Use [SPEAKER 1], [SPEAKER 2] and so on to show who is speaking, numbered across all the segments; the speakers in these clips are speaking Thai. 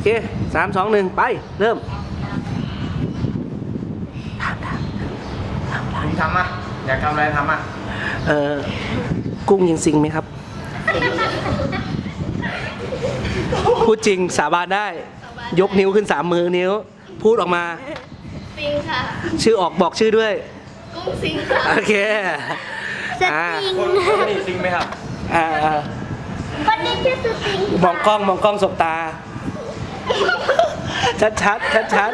[SPEAKER 1] เค3 2 1ไปเริ่ม
[SPEAKER 2] คุณทำอ่ะอยากทำอะไรทำอ่ะ
[SPEAKER 1] กุ้งยังซิงไหมครับพูดจริงสาบานได้ยกนิ้วขึ้น3 มือนิ้วพูดออกมา
[SPEAKER 3] ซิงค่ะ
[SPEAKER 1] ชื่อออกบอกชื่อด้วย
[SPEAKER 3] กุ้งซิงค่ะ
[SPEAKER 1] โอเค
[SPEAKER 3] สติง
[SPEAKER 2] คนนี้ซิงไหมครับ
[SPEAKER 3] คนนี้ชื่อสติง
[SPEAKER 1] มองกล้องสบตาชัด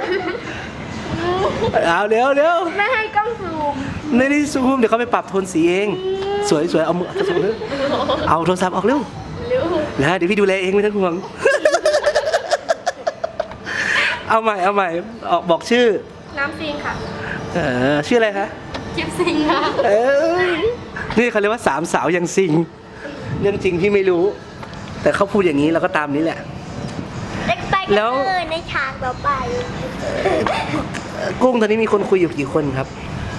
[SPEAKER 1] เอาเร็ว
[SPEAKER 3] ไม่ให้กล้องซูม
[SPEAKER 1] ไม่ได้ซูมเดี๋ยวเขาไปปรับโทนสีเองสวยเอามือเอาโทรศัพท์ออกเร็วแล้วเดี๋ยวพี่ดูแลเองไม่ต้องห่วงเอาใหม่ออกบอกชื่อ
[SPEAKER 3] น้ำซิงค่ะ
[SPEAKER 1] ชื่ออะไรคะ
[SPEAKER 3] จิ๊บซิงค่ะ
[SPEAKER 1] นี่เขาเรียกว่า3 สาวยังซิงเรื่องจริงพี่ไม่รู้แต่เขาพูดอย่างนี้เราก็ตามนี้แหละ
[SPEAKER 3] แล้วในฉากต่อไป
[SPEAKER 1] กุ้งตอนนี้มีคนคุยอยู่กี่คนครับ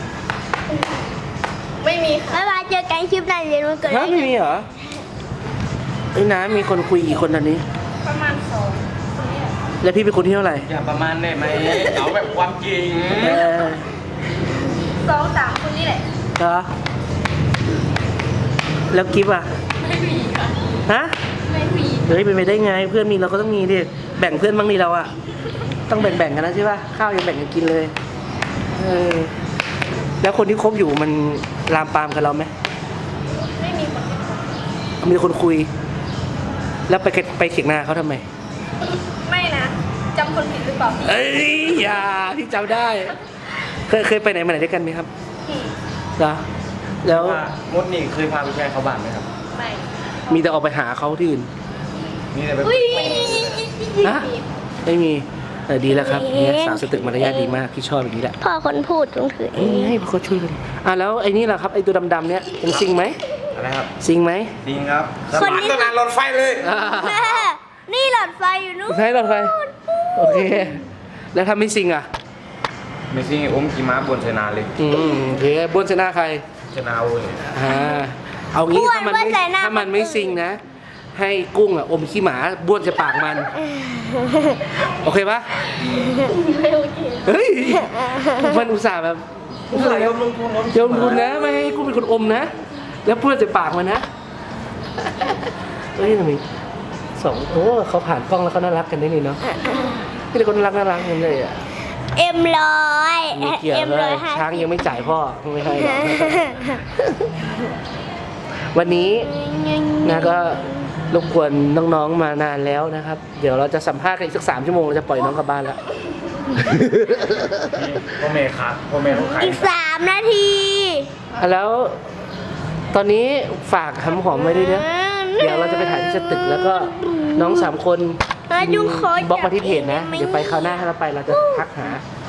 [SPEAKER 3] ไม่มีค่ะไม่มาเจอกันคลิปไหนเรียนวันเกิด
[SPEAKER 1] ไม่มีเหรอไอ้น้ำมีคนคุยกี่คนตอนนี้
[SPEAKER 3] ประมาณ2
[SPEAKER 1] แล้วพี่เป็นคนที่เท่าไหร่
[SPEAKER 2] อย่าประมาณได้ไหมเอาแบบความจริง
[SPEAKER 3] 2-3 คนนี่แหละ
[SPEAKER 1] เหรอแล้วกิฟต์อ่ะ
[SPEAKER 3] ไม่มีค่ะ
[SPEAKER 1] ฮะ
[SPEAKER 3] ไม่มี
[SPEAKER 1] เฮ้ยเป็นไปได้ไงเพื่อนมีเราก็ต้องมีดิแบ่งเพื่อนบ้างดิเราอ่ะต้องแบ่งกันนะใช่ป่ะข้าวยังแบ่งกันกินเลยแล้วคนที่คบอยู่มันลามปามกับเราไหม
[SPEAKER 3] ไม่มีคน
[SPEAKER 1] มีคนคุยแล้วไปเถียงนาเขาทำไม
[SPEAKER 3] ไม่นะจำคนผิดหรือเปล่า
[SPEAKER 1] เอ้ยอย่าพี่จำได้เคยไปไหนมาไหนด้วยกันไหมครับเหรอแล้ว
[SPEAKER 2] มดนี่เคยพาไปแช่เขาบ้านไหมครับ
[SPEAKER 3] ไม่
[SPEAKER 1] มีแต่ออกไปหาเขาที่อื่น
[SPEAKER 2] มีแต่ไป
[SPEAKER 1] นะไม่มีดีแล้วครับเนี่ยสาวสตึกมารยาทดีมากพี่ชอบอย่างนี้แหละ
[SPEAKER 3] พ่อคนพูดต้องถือ
[SPEAKER 1] ให้พ่อช่วยกันแล้วไอ้นี่แหละครับไอ้ตัวดำๆเนี่ยเป็นซิงไหม
[SPEAKER 2] อะไรครับ
[SPEAKER 1] ซิงไหม
[SPEAKER 2] ซิงครับคนนี้ต้องการรถไฟเลย
[SPEAKER 3] นี่หลอดไฟอยู่นู้น
[SPEAKER 1] ใช่หลอดไฟโอเคแล้วทำไม่ซิงอ่ะ
[SPEAKER 2] ไม่ซิงอมกี่ม้าบนชนะเลย
[SPEAKER 1] โอเคบนชนะใคร
[SPEAKER 2] ชนะโอ้ย
[SPEAKER 1] เอางี้ถ้ามันไม่ซิงนะให้กุ้งอ่ะอมขี้หมาบ้วนจะปากมันโอเคปะ
[SPEAKER 3] ไม่โอเค
[SPEAKER 1] เฮ้ยมันอุตส่าห์แบบยอมลงทุนนะไม่ให้กุ้งเป็นคนอมนะแล้วบ้วนจะปากมันนะเฮ้ยทำไมเขาผ่านกล้องแล้วเขาน่ารักกันได้เลยเนาะนี่เป็นคนน่ารักกันเลยอ่ะ
[SPEAKER 3] M100
[SPEAKER 1] ช้างยังไม่จ่ายพ่อไม่ให้หรอกวันนี้นะก็รบกวนน้องๆมานานแล้วนะครับเดี๋ยวเราจะสัมภาษณ์กันอีกสัก3 ชั่วโมงเราจะปล่อยน้องกลับบ้านแล้ว
[SPEAKER 2] พ่อเมย์ครับพ่อเมย์ต้องขาย
[SPEAKER 3] อีก3 นาที
[SPEAKER 1] แล้วตอนนี้ฝากหอมไว้ด้วยนะเดี๋ยวเราจะไปถ่ายที่สตึกแล้วก็น้อง3 คนบล็อกมาที่เพจนะเดี๋ยวไปคราวหน้าถ้าเราไปเราจะทักหา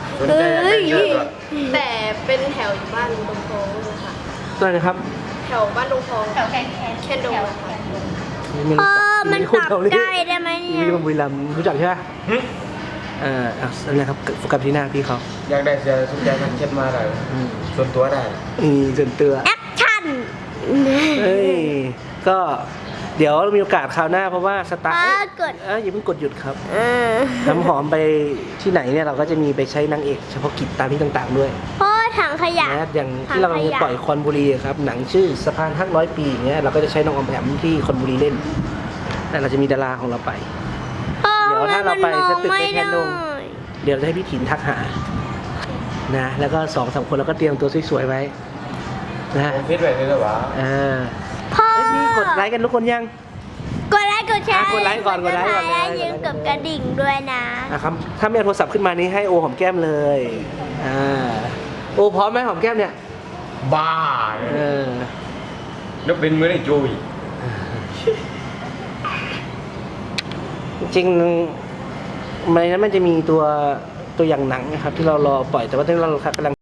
[SPEAKER 3] แต่เป็นแถวบ้านตรงโค้งเลยค่ะ
[SPEAKER 1] ตัวไหนครับ
[SPEAKER 3] แถวบ้านตรงโค้งแถวแคนดงมันปรับใกล้ได้ไหม
[SPEAKER 1] เนี่ยมีคนบุรีรัมย์รู้จักใช่ไหมอะไรครับโฟกัสที่หน้าพี่เขา
[SPEAKER 2] อยากได้เสื้อทุกอย่างมันเช็ดมาได้ส่วนตัวได้
[SPEAKER 1] ส่วนตัว
[SPEAKER 3] แอคชั่น
[SPEAKER 1] ก็เดี๋ยวมีโอกาสคราวหน้าเพราะว่าสตาร์อย่าเพิ่งกดหยุดครับน้ำหอมไปที่ไหนเนี่ยเราก็จะมีไปใช้นางเอกเฉพาะกิจตามที่ต่างๆด้วย
[SPEAKER 3] พ่อถังขยะ
[SPEAKER 1] อย่างที่เราจะปล่อยคอนบุรีครับหนังชื่อสะพานฮัก100 ปีเนี้ยเราก็จะใช้น้องออมแอมที่คอนบุรีเล่นแต่เราจะมีดาราของเราไปเดี๋ยวถ้าเราไปสตึกในแคนดงเดี๋ยวจะให้พี่ถิ่นทักหานะแล้วก็2-3 คนเราก็เตรียมตัวสวยๆไว้นะ
[SPEAKER 2] ฟิตไว้เลยเหรอวะ
[SPEAKER 3] พ่อ
[SPEAKER 1] นี่กดไลค์กันทุกคนยัง
[SPEAKER 3] กดไลค์กดแชร์
[SPEAKER 1] กดไลค์ก่อน
[SPEAKER 3] ยืนกับกระดิ่งด้วย
[SPEAKER 1] นะครับถ้ามีโทรศัพท์ขึ้นมานี้ให้โอหอมแก้มเลยโอพร้อมไหมหอมแก้มเนี่ย
[SPEAKER 2] บ้าแล้วเป็นมือได้โจย
[SPEAKER 1] จริงในนั้นมันจะมีตัวอย่างหนังนะครับที่เรารอปล่อยแต่ว่าตอนนี้เรากำลัง